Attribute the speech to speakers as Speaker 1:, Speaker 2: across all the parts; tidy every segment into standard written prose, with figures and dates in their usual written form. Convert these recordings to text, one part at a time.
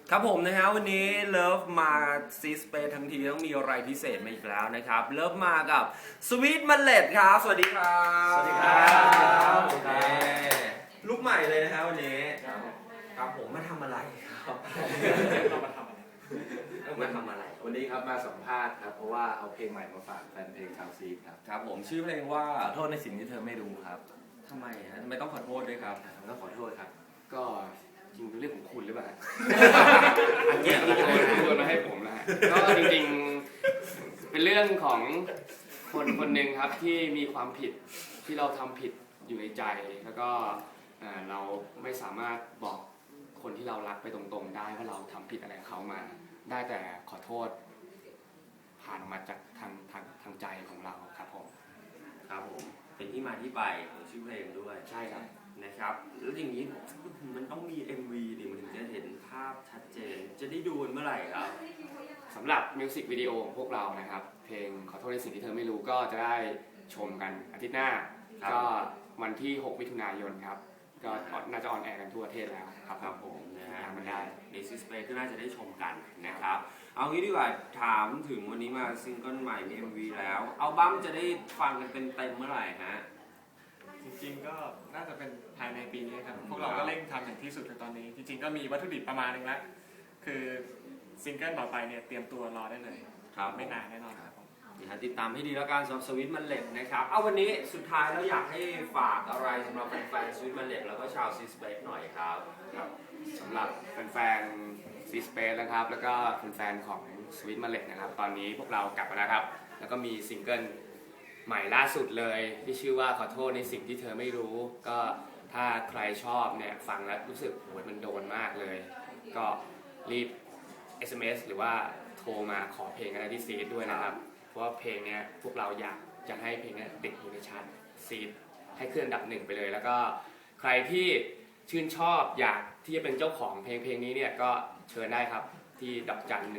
Speaker 1: ครับผมนะฮะวันนี้เลิฟมาซีสเปซทั้งทีต้องมีอะไรพิเศษมาอีกแล้วนะครับเลิฟมากับสวีทมันเลดครับสวัสดีครับ
Speaker 2: สวัสดีครับ
Speaker 1: ลูกใหม่เลยนะฮะวันนี้ครับผมมาทำอะไรครับ
Speaker 2: เรามาทำอะไร
Speaker 1: มาทำอะไร
Speaker 2: วันนี้ครับมาสัมภาษณ์ครับเพราะว่าเอาเพลงใหม่มาฝากแฟนเพลงชาวซีครับ
Speaker 1: ครับผมชื่อเพลงว่า
Speaker 2: ขอโทษในสิ่งที่เธอไม่รู้ครับ
Speaker 1: ทำไมฮะทำไมต้องขอโทษด้วยครับ
Speaker 2: ต้องขอโทษครับ ก็จริงเป็นเรื่องของคุณหรือเปล่า
Speaker 1: อันเนี้ย
Speaker 2: โยนมาให้ผมนะฮะก็จริงๆเป็นเรื่องของคนคนหนึ่งครับที่มีความผิดที่เราทำผิดอยู่ในใจแล้วก็เราไม่สามารถบอกคนที่เรารักไปตรงๆได้ว่าเราทำผิดอะไรกับเขามา ได้แต่ขอโทษผ่านออกมาจากทางใจของเราครับผม
Speaker 1: ครับผมเป็นที่มาที่ไปของชื่อเพลงด้วย
Speaker 2: ใช่ครับ
Speaker 1: นะครับแล้วอย่างนี้มันต้องมี MV ดิมันถึงจะเห็นภาพชัดเจนจะได้ดูเมื่อไหร่ครับ
Speaker 2: สำหรับมิวสิกวิดีโอของพวกเรานะครับเพลงขอโทษในสิ่งที่เธอไม่รู้ก็จะได้ชมกันอาทิตย์หน้าก็วันที่ 6 มิถุนายนครับก็น่าจะออนแอร์กันทั่วประเทศแล้วครับ
Speaker 1: ครับผมนะฮะ
Speaker 2: มันได้
Speaker 1: ในซีสเปซก็น่าจะได้ชมกันนะครับเอางี้ดีกว่าถามถึงวันนี้มาซิงเกิลใหม่มี MV แล้วอัลบั้มจะได้ฟังกันเต็มเมื่อไหร่ฮะ
Speaker 3: จริงๆก็น่าจะเป็นภายในปีนี้ครับพวกเราก็เร่งทำอย่างที่สุดในตอนนี้จริงๆก็มีวัตถุดิบประมาณนึงแล้วคือซิงเกิลต่อไปเนี่ยเตรียมตัวรอได้เลย
Speaker 1: ครับ
Speaker 3: ไม่นานแน่นอนครับผม
Speaker 1: ติดตามให้ดีแล้วกันสำหรับสวิตมันเล็ดนะครับเอาวันนี้สุดท้ายแล้วอยากให้ฝากอะไรสำหรับแฟนๆสวิตมันเล็ดแล้วก็ชาวซีสเปซหน่อยครับ
Speaker 2: ครับสำหรับแฟนๆซีสเปซนะครับแล้วก็แฟนๆของสวิตมาเลตนะครับตอนนี้พวกเรากลับมาแล้วครับแล้วก็มีซิงเกิลใหม่ล่าสุดเลยที่ชื่อว่าขอโทษในสิ่งที่เธอไม่รู้ก็ถ้าใครชอบเนี่ยฟังแล้วรู้สึกโหยมันโดนมากเลยก็รีบ SMS หรือว่าโทรมาขอเพลงกันได้ที่ซีดด้วยนะครับเพราะว่าเพลงเนี้ยพวกเราอยากจะให้เพลงนี้ติดอยู่ในชาร์ตซีดให้ขึ้นอันดับ1ไปเลยแล้วก็ใครที่ชื่นชอบอยากที่จะเป็นเจ้าของเพลงนี้เนี่ยก็เชิญได้ครับที่ดอกจัน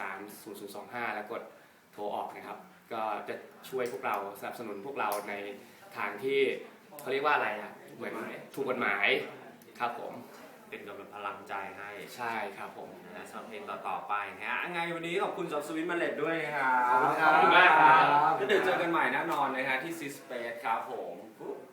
Speaker 2: 1230025 แล้วกดโทรออกนะครับก็จะช่วยพวกเราสนับสนุนพวกเราในทางที่เขาเรียกว่าอะไรอ่ะเหมือนถูกกฎหมายครับผม
Speaker 1: เป็นกำลังพลังใจให้
Speaker 2: ใช่ครับผม
Speaker 1: นะสำหรับเพลงต่อๆไปนะฮะไงวันนี้ขอบคุณสำหรับสวิตมันเล็ดด้วยนะครับ
Speaker 2: ขอบคุณมากครับ
Speaker 1: ก็เดี๋ยวเจอกันใหม่แน่นอนนะฮะที่ซีสเปซครับผม